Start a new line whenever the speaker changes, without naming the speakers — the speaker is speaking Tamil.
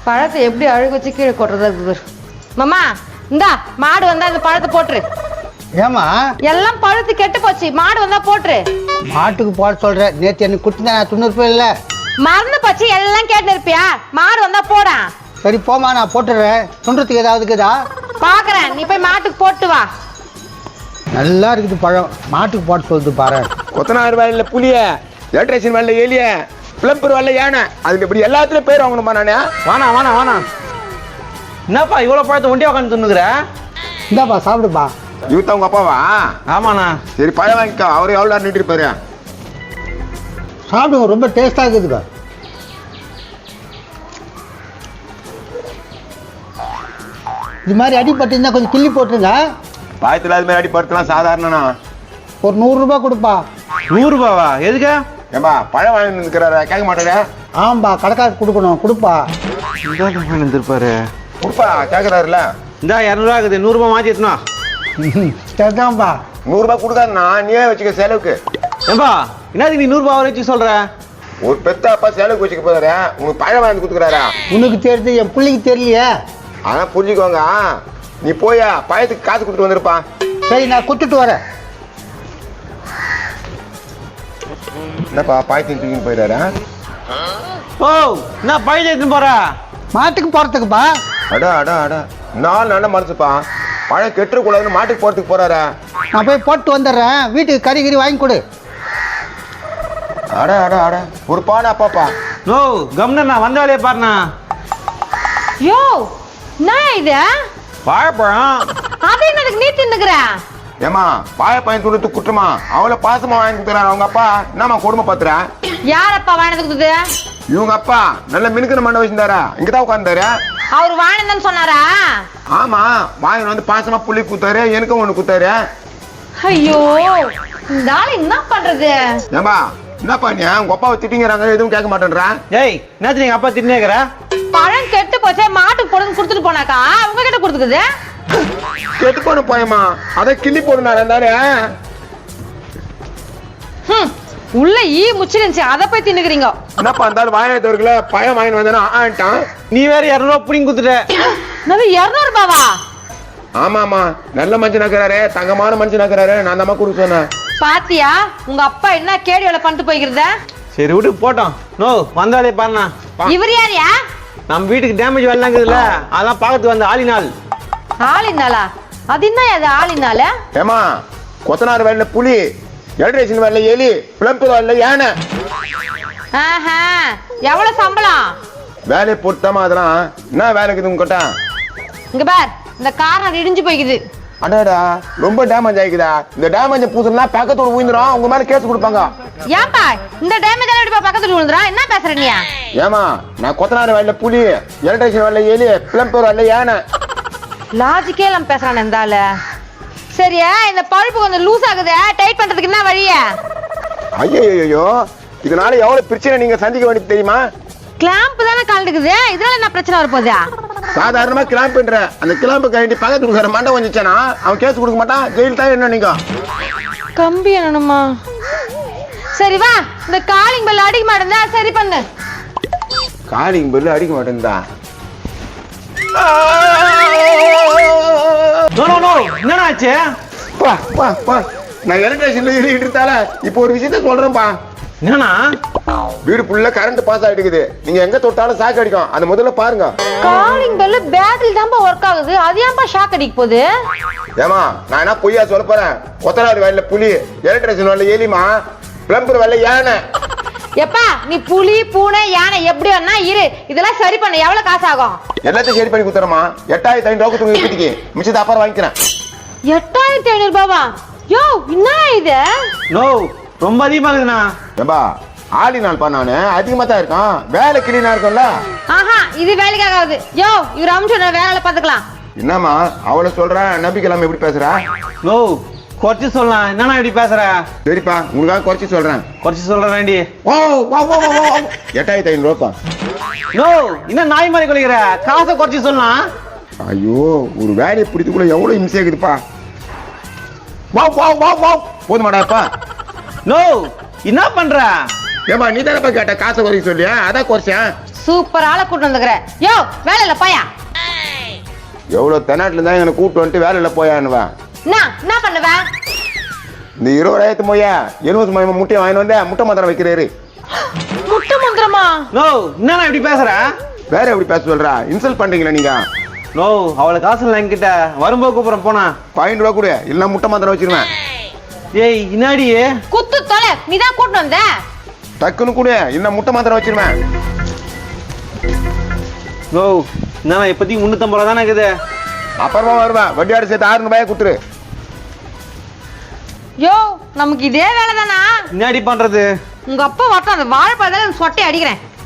பழத்தை எப்படி அழுக வச்சு கீழே கொட்டுறதா இருக்குது. மாமா இந்தா மாடு வந்தா இந்த பழத்தை போட்டுரு.
ஏமா
எல்லாம் பழுத்து கெட்டு போச்சு, மாடு வந்தா போட்டுரு.
மாட்டுக்கு போட சொல்ற, நேற்று எனக்கு குடுத்தா நான் துண்ணூறு இல்ல
மறந்து போச்சு, எல்லாம் கேட்டு இருப்பியா? மாடு வந்தா போடா.
சரி போமா, நான் போட்டுடுறேன். துண்டுறதுக்கு ஏதாவது இருக்குதா
பாக்குறேன், நீ போய் மாட்டுக்கு போட்டு வா.
நல்லா இருக்குது பழம், மாட்டுக்கு போட சொல்லுது பாரு.
கொத்தனார் வேலையில புளிய, எலக்ட்ரிஷியன் வேலையில எலிய, பிளம்பர் வேலையில யானை, அதுக்கு இப்படி எல்லாத்துலயும் பேர் வாங்கணுமா நானே?
வாணா என்னப்பா இவ்வளோ பழத்தை ஒண்டியா உட்காந்து துண்ணுக்குற?
இந்தாப்பா சாப்பிடுப்பா.
இவத்த உங்க அப்பாவா?
ஆமாண்ணா.
சரி பழம் வாங்கிக்கோ, அவரு எவ்வளோ நேரம் நின்று இருப்பாரு.
சாப்பிடுங்க, ரொம்ப டேஸ்டா இருக்குதுப்பா. இது மாதிரி அடிப்பட்டு கொஞ்சம் கிள்ளி போட்டுருங்க.
பாயத்தில் அது மாதிரி அடி படுத்தலாம் சாதாரணனா.
ஒரு 100 ரூபாய் கொடுப்பா.
100 ரூபாவா? எதுக்கு?
ஏம்பா பழம் வாங்கி இருக்கிறாரு, கேட்க மாட்டாரு.
ஆமாப்பா, கடைக்காரருக்கு கொடுக்கணும், கொடுப்பா.
இருப்பாரு
கொடுப்பா, கேட்கறாருல.
இந்தா 200 இருக்குது, 100 ரூபாய் மாற்றி எடுத்துனா.
சரிதான்ப்பா.
100 ரூபாய் கொடுக்காதுண்ணா, நீயே வச்சுக்க செலவுக்கு.
ஏம்பா என்னதுக்கு நீ 100 ரூபாய் வச்சு சொல்ற?
ஒரு பெத்த அப்பா செலவுக்கு வச்சுக்க போறாரு, உங்களுக்கு பழம் வாங்கி கொடுத்துக்கிறாரா?
உனக்கு தெரியுது, என் பிள்ளைக்கு தெரியலையே.
அதான் புரிஞ்சுக்கோங்க. நீ போயா பழத்துக்கு காசு கொடுத்துட்டு வந்திருப்பா.
சரி, நான் கொடுத்துட்டு வரேன்.
என்னப்பா பாயத்தின் தூக்கின்னு போயிடாரா?
ஓ என்ன பழத்தை எடுத்துன்னு போற?
மாட்டுக்கு போறதுக்குப்பா.
அடா அடா அடா, நாலு நல்ல மனசுப்பா. பழம் கெட்டுக்கூடாதுன்னு மாட்டுக்கு போறதுக்கு போறாரா?
நான் போய் போட்டு வந்துடுறேன், வீட்டுக்கு கறி வாங்கி கொடு.
அடா அடா அடா, ஒரு பாடா அப்பாப்பா.
நோ கம்னா வந்த வேலையை பாருண்ணா.
யோ நான் இது
வாழைப்பழம்.
அது என்னதுக்கு நீ தின்னுக்குற?
ஏமா பாய பையன் துடுத்து குற்றமா? அவளை பாசமா வாங்கி கொடுத்துறாரு அவங்க அப்பா. என்னம்மா கொடுமை பாத்துற?
யாரப்பா வாங்கினது கொடுத்தது?
இவங்க அப்பா நல்ல மினுக்கிற மண்டை வச்சிருந்தாரா, இங்கதான் உட்கார்ந்தாரு.
அவர் வாங்கினதுன்னு சொன்னாரா?
ஆமா, வாங்கி வந்து பாசமா புள்ளி குத்தாரு, எனக்கும் ஒண்ணு குத்தாரு.
ஐயோ இந்த ஆள் என்ன பண்றது?
ஏம்பா என்னப்பா நீ உங்க அப்பாவை திட்டிங்கிறாங்க, எதுவும் கேட்க மாட்டேன்றா?
ஏய் என்னத்து நீங்க அப்பா தின்னேக்கிற?
பழம் கெட்டு போச்சே, மாட்டுக்கு போடுன்னு கொடுத்துட்டு போனாக்கா உங்க கிட்ட கொடுத்துக்குது.
கெட்டு போன போயமா, அதை கிள்ளி போடுனாரு இருந்தாரு.
உள்ள ஈ முச்சிருந்துச்சு, அதை போய் தின்னுக்குறீங்க.
என்னப்பா இருந்தாலும் வாங்கினவர்கள பழம் வாங்கிட்டு வந்தானே ஆட்டான்.
நீ வேற 200 ரூபாய் புடிங்கி கொடுத்துட்ட.
அது 200 ரூபாவா?
ஆமாமா, நல்ல மனுஷன் ஆக்குறாரு, தங்கமான மனுஷன் ஆக்குறாரு. நான் தான் கொடுக்க சொன்னேன்.
பாத்தியா உங்க அப்பா என்ன கேடி வேலை பண்ணிட்டு போய்க்கிறத?
சரி விட்டு போட்டோம். நோ வந்த வேலையை பாருண்ணா.
இவர் யாரியா?
நம்ம வீட்டுக்கு டேமேஜ் வரலாங்குதுல்ல, அதான் பார்க்கறதுக்கு வந்த ஆளினால்.
ஆளினாலா? அது என்ன அது ஆளினால?
ஏமா கொத்தனார் வேலையில புலி, எலக்ட்ரிஷியன் வேலையில எலி, பிளம்பர் வேலையில யானை.
ஆஹா, எவ்வளவு சம்பளம்?
வேலையை பொறுத்தாமா அதெல்லாம். என்ன வேலை இருக்குது உங்ககிட்ட?
இங்க பார், இந்த காரணம் இடிஞ்சு போய்க்குது.
அடாடா, ரொம்ப டேமேஜ் ஆயிக்குதா? இந்த டேமேஜ் பூசணும்னா பக்கத்தோட ஊந்துடும், உங்க மேல கேஸ் கொடுப்பாங்க.
ஏன்பா இந்த டேமேஜ் எல்லாம் இப்ப பக்கத்துல விழுந்துறா? என்ன பேசுற நீ?
ஏமா நான் கொத்தனார் வேலையில புலி, எலக்ட்ரிஷியன் வேலையில எலி, பிளம்பர் வேலையில யானை.
லாஜிக்கே எல்லாம் பேசுறான் இந்த ஆளு. சரியா, இந்த பழுப்பு கொஞ்சம் லூஸ் ஆகுது, டைட் பண்றதுக்கு என்ன வழிய?
ஐயோ, இதனால எவ்வளவு பிரச்சனை நீங்க சந்திக்க வேண்டியது தெரியுமா?
கிளாம்ப் தானே கலந்துக்குது, இதனால என்ன பிரச்சனை வரப்போகுது?
சாதாரணமா கிளாம்புன்ற அந்த கிளாம்பு கழட்டி பக்கத்துக்கு இருக்கிற மண்டை வந்துச்சானா அவன் கேஸ் கொடுக்க மாட்டான், ஜெயில் தான். என்ன நீங்க
கம்பி என்னணுமா? சரி வா, இந்த காலிங் பெல் அடிக்க மாட்டேந்தா சரி பண்ணு.
காலிங் பெல் அடிக்க மாட்டேன்தா?
நோ நோ நோ என்னடா ஆச்சு?
பா பா பா, நான் எலக்ட்ரிஷியன்ல ஏறிட்டு இருந்தால இப்போ ஒரு விஷயத்த சொல்றேன்ப்பா.
என்னன்னா
வீடு ஃபுல்லா கரண்ட் பாஸ் ஆயிட்டு இருக்குது. நீங்க எங்க தொட்டாலும் ஷாக் அடிக்கும், அது முதல்ல பாருங்க.
காலிங் பெல் பேட்டரி தான்ப்பா ஒர்க் ஆகுது, அது ஏன்பா ஷாக் அடிக்க போகுது?
ஏமா நான் என்ன பொய்யா சொல்ல போறேன்? கொத்தனார் வேலையில புலி, எலக்ட்ரிஷியன் வேலையில எலிமா, பிளம்பர் வேலையில யானை.
எப்பா நீ புலி பூனை யானை எப்படி வேணா இரு, இதெல்லாம் சரி பண்ண எவ்வளவு காசு ஆகும்?
எல்லாத்தையும் சரி பண்ணி கொடுத்துறமா. 8500 ரூபாய்க்கு தூங்கி இப்படிக்கு மிச்சத்தை அப்புறம் வாங்கிக்கிறேன்.
8500 ரூபாவா? யோ என்ன இது?
நோ ரொம்ப அதிகமா இருக்குண்ணா.
ஏம்பா ஆளி நாள்ப்பா, நானு அதிகமா தான் இருக்கான், வேலை கிளீனா இருக்கும்ல.
ஆஹா, இது வேலைக்காகாது. யோ இவர் அம்சம் வேலை பார்த்துக்கலாம்.
என்னம்மா அவளை சொல்றேன், நம்பிக்கலாம் எப்படி பேசுறா?
நோ குறைச்சி சொல்லலாம். என்னண்ணா இப்படி பேசுற?
சரிப்பா, உங்களுக்காக குறைச்சி சொல்றேன்.
குறைச்சி சொல்றேன்டி.
ஓ 8500 ரூபாய்ப்பா.
நோ இன்னும் நாய் மாதிரி குறைக்கிற, காசை குறைச்சி சொல்லலாம்.
ஐயோ, ஒரு வேலையை பிடித்துக்குள்ள எவ்வளவு இம்சை இருக்குதுப்பா. வா வா வா வா, போதுமாடாப்பா.
நோ என்ன பண்ற?
ஏமா நீ தானப்பா கேட்ட காசை குறைக்க சொல்லியா, அதான் குறைச்சேன்.
சூப்பர் ஆளை கூட்டு வந்துக்கிற. யோ வேலையில போயா.
எவ்வளவு தென்னாட்டுல இருந்தா எங்களை கூப்பிட்டு வந்துட்டு வேலையில போயான்னுவேன்.
என்ன பண்ணுவேன்?
இந்த 20,000 மொய்யா எலுமிச்சை மயமா முட்டையை வாங்கிட்டு வந்தேன், முட்டை மாத்திரம் வைக்கிறாரு.
முட்டை மந்திரமா?
நோ என்ன இப்படி பேசுற?
வேற எப்படி பேச சொல்றா? இன்சல்ட் பண்றீங்களா நீங்க?
நோ அவளை காசு இல்லை என்கிட்ட, வரும்போது கூப்பிடுறேன் போனா.
5 ரூபா கூட இல்லைன்னா முட்டை மாத்திரம் வச்சிருவேன்.
ஏய் இன்னாடி
குத்து தொலை, நீதான் கூட்டு வந்த.
டக்குன்னு கூட இல்லைன்னா முட்டை மாத்திரம் வச்சிருவேன்.
நோ என்ன இப்போதைக்கு 350 ரூபா தானே இருக்குது.
அப்புறமா வருவேன், வட்டியாடு சேர்த்து 600 ரூபாய் கொடுத்துரு.
யோ நமக்கு இதே வேலை தானா?
இன்னாடி பண்றது?
உங்க அப்பா வரட்டும், அந்த வாழைப்பழம் சொட்டை அடிக்கிறேன்.